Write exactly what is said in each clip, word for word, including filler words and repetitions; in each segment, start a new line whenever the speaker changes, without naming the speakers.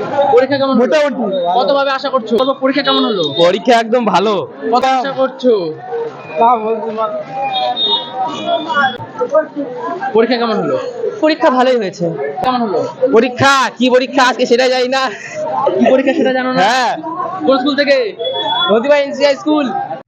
পরীক্ষা কেমন হলো? কত ভাবে আশা করছো? পরীক্ষা কেমন হলো?
পরীক্ষা একদম ভালো।
কত আশা করছো? পরীক্ষা কেমন হলো?
পরীক্ষা ভালোই হয়েছে।
কেমন হলো?
পরীক্ষা কি পরীক্ষা আজকে সেটা জানি না।
কি পরীক্ষা সেটা জানো না?
হ্যাঁ,
কোন স্কুল থেকে?
নদীবা এনসিআই স্কুল।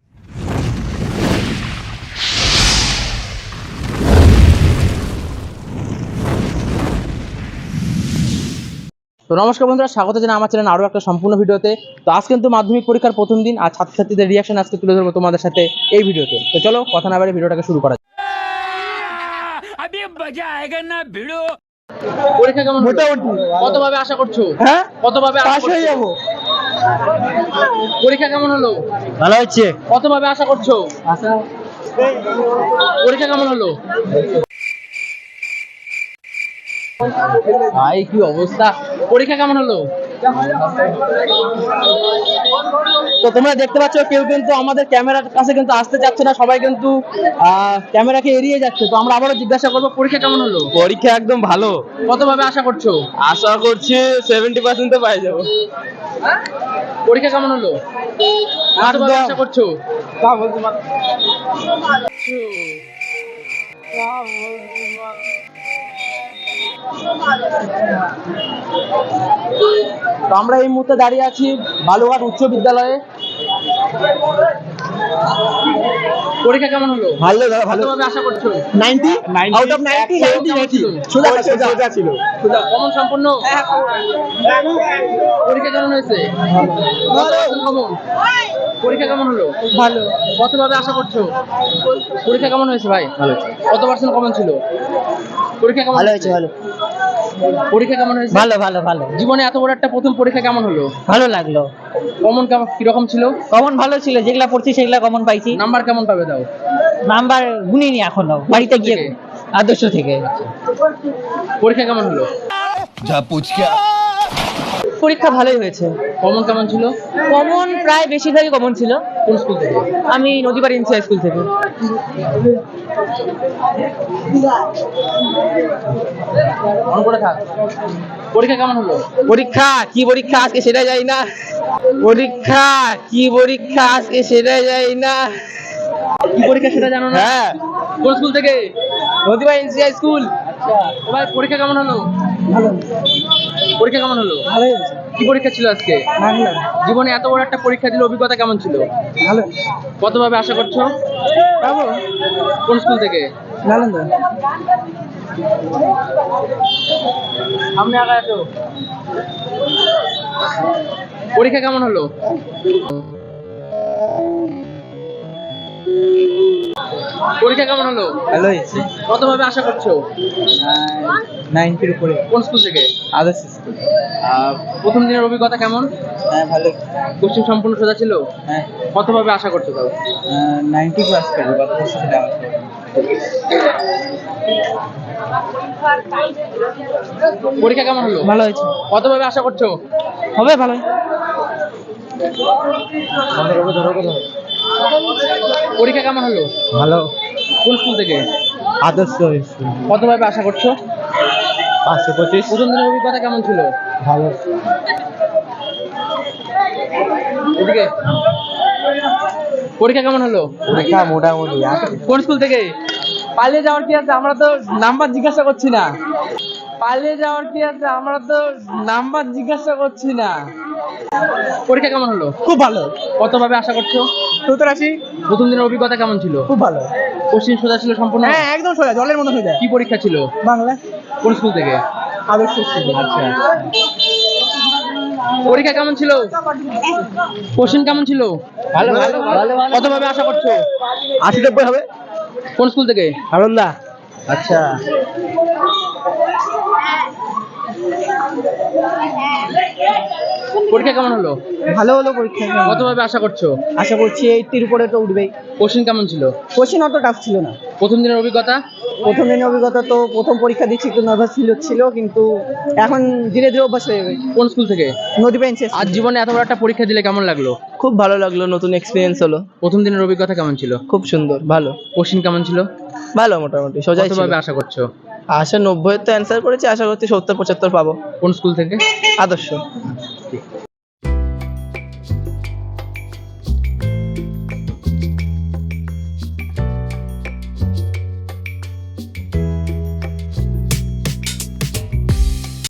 তো নমস্কার বন্ধুরা, স্বাগত জানাই আমার চ্যানেল আরো একটা সম্পূর্ণ ভিডিওতে। তো আজ কিন্তু মাধ্যমিক পরীক্ষার প্রথম দিন, আর ছাত্রছাত্রীদের রিয়াকশন আজকে তুলে ধরবো তোমাদের সাথে এই ভিডিওতে। তো চলো কথা না বাড়িয়ে ভিডিওটাকে শুরু করা যাক।
अभी मजा आएगा ना भिड़ो।
পরীক্ষা কেমন হলো?
মোটামুটি
কত ভাবে আশা করছো?
হ্যাঁ,
কত ভাবে আশা
পাস হয়ে
করছো?
যাবো।
পরীক্ষা কেমন হলো?
ভালো হচ্ছে।
কত ভাবে আশা করছো? পরীক্ষা কেমন হলো? ভাই কি অবস্থা, পরীক্ষা কেমন হলো? তো তোমরা দেখতে পাচ্ছ কেউ কিন্তু আমাদের ক্যামেরার কাছে কিন্তু আসতে চাচ্ছে না, সবাই কিন্তু ক্যামেরাকে এড়িয়ে যাচ্ছে। তো আমরা আবারও জিজ্ঞাসা করবো পরীক্ষা কেমন হলো?
পরীক্ষা একদম ভালো।
কত ভাবে আশা করছো?
আশা করছি সেভেন্টি পার্সেন্ট তো পাই যাবো।
পরীক্ষা কেমন হলো? কত ভাবে আশা করছো? তো আমরা এই মুহূর্তে দাঁড়িয়ে আছি বালুঘাট উচ্চ বিদ্যালয়ে। পরীক্ষা কেমন হলো?
ভালো দাদা, ভালো।
কত ভাবে আশা করছো?
Ninety out of ninety. Ninety ninety সোজা সোজা সোজা ছিল।
কমন সম্পূর্ণ। পরীক্ষা কেমন হয়েছে? কমন। পরীক্ষা কেমন হলো?
ভালো।
কত ভাবে আশা করছো? পরীক্ষা কেমন হয়েছে ভাই?
ভালো হয়েছে।
কত পার্সেন্ট কমন ছিল? পরীক্ষা কেমন
ভালো হয়েছে। ভালো।
পরীক্ষা কেমন হয়েছে?
ভালো ভালো ভালো।
জীবনে এত বড় একটা প্রথম পরীক্ষা কেমন হলো?
ভালো লাগলো।
কমন কেমন কিরকম ছিল?
কমন ভালো ছিল, যেগুলা পড়ছি সেগুলা কমন পাইছি।
নাম্বার কেমন পাবে দাও?
নাম্বার গুনিনি এখনো, বাড়িতে গিয়ে আদর্শ থেকে।
পরীক্ষা কেমন হলো?
जा पूछ क्या?
পরীক্ষা ভালোই হয়েছে।
কমন কেমন ছিল?
কমন প্রায় বেশিরভাগই কমন ছিল।
কোন স্কুল থেকে?
আমি নদীপাড় এনসিআই স্কুল থেকে।
মনে করে থাক। পরীক্ষা কেমন হলো?
পরীক্ষা কি পরীক্ষা আজকে সেটা জানি না। পরীক্ষা কি পরীক্ষা আজকে সেটা জানি না।
কি পরীক্ষা সেটা জানো না?
হ্যাঁ,
কোন স্কুল থেকে?
নদীপাড় এনসিআই স্কুল।
আচ্ছা, ভাই পরীক্ষা কেমন হলো?
ভালো।
পরীক্ষা কেমন হলো?
ভালোই হয়েছে।
কি পরীক্ষা ছিল আজকে?
বাংলা।
জীবনে এত বড় একটা পরীক্ষা দিলে অভিজ্ঞতা কেমন ছিল?
ভালো।
কত ভাবে আশা করছো?
পাবো।
কোন স্কুল থেকে?
নালন্দা।
সামনে আগে আসো। পরীক্ষা কেমন হলো? পরীক্ষা কেমন হলো?
ভালো হয়েছে।
কত ভাবে আশা করছো?
নাইনটির উপরে।
কোন স্কুল থেকে?
আদর্শ স্কুল।
আহ, প্রথম দিনের অভিজ্ঞতা কেমন?
হ্যাঁ, ভালো।
কোশ্চেন সম্পূর্ণ সোজা ছিল?
হ্যাঁ,
কত ভাবে আশা করছো তাও?
নাইনটি ক্লাস করবো। গত বছর সেটা আমার।
পরীক্ষা কেমন হলো?
ভালো হয়েছে।
কত ভাবে আশা করছো?
হবে ভালো।
পরীক্ষা কেমন হলো?
ভালো।
কোন স্কুল থেকে?
আদর্শ স্কুল।
কত ভাবে আশা করছো?
পাঁচশো পঁচিশ।
প্রথম দিনের অভিজ্ঞতা কেমন ছিল?
ভালো।
এদিকে পরীক্ষা কেমন হলো?
পরীক্ষা মোটামুটি।
কোন স্কুল থেকে? পালিয়ে যাওয়ার কি আছে? আমরা তো নাম্বার জিজ্ঞাসা করছি না। পালিয়ে যাওয়ার কি আছে? আমরা তো নাম্বার জিজ্ঞাসা করছি না। পরীক্ষা কেমন হলো?
খুব ভালো।
কত ভাবে আশা করছো?
সত্তর আশি।
প্রথম দিনের অভিজ্ঞতা কেমন ছিল?
খুব ভালো।
কোশ্চেন সোজা ছিল সম্পূর্ণ?
হ্যাঁ, একদম সোজা, জলের মতো সোজা।
কি পরীক্ষা ছিল?
বাংলা।
কোন স্কুল থেকে?
আদর্শ স্কুল।
আচ্ছা, পরীক্ষা কেমন ছিল? কোশ্চেন কেমন ছিল?
ভালো ভালো ভালো।
কত ভাবে আশা করছো?
আশি নব্বই হবে।
কোন স্কুল থেকে?
আনন্দা।
আচ্ছা, পরীক্ষা কেমন হলো?
ভালো হলো পরীক্ষা।
কত ভাবে আশা করছো?
আশা করছি এইটির উপরে তো উঠবেই।
কোশ্চেন কেমন ছিল?
কোশ্চেন অত টাফ ছিল না।
প্রথম দিনের অভিজ্ঞতা?
প্রথম দিনের অভিজ্ঞতা তো প্রথম পরীক্ষা দিচ্ছি একটু নার্ভাস ছিল ছিল কিন্তু এখন ধীরে ধীরে অভ্যাস হয়ে যাবে।
কোন স্কুল থেকে?
নদীপাড় এনসিআই।
আজ জীবনে এত বড় একটা পরীক্ষা দিলে কেমন লাগলো?
খুব ভালো লাগলো, নতুন এক্সপিরিয়েন্স হলো।
প্রথম দিনের অভিজ্ঞতা কেমন ছিল?
খুব সুন্দর, ভালো।
কোশ্চেন কেমন ছিল?
ভালো মোটামুটি সোজাই
কত
ছিল।
ভাবে আশা করছো?
আশা নব্বই তো অ্যান্সার করেছি, আশা করছি সত্তর পঁচাত্তর পাবো।
কোন স্কুল থেকে?
আদর্শ।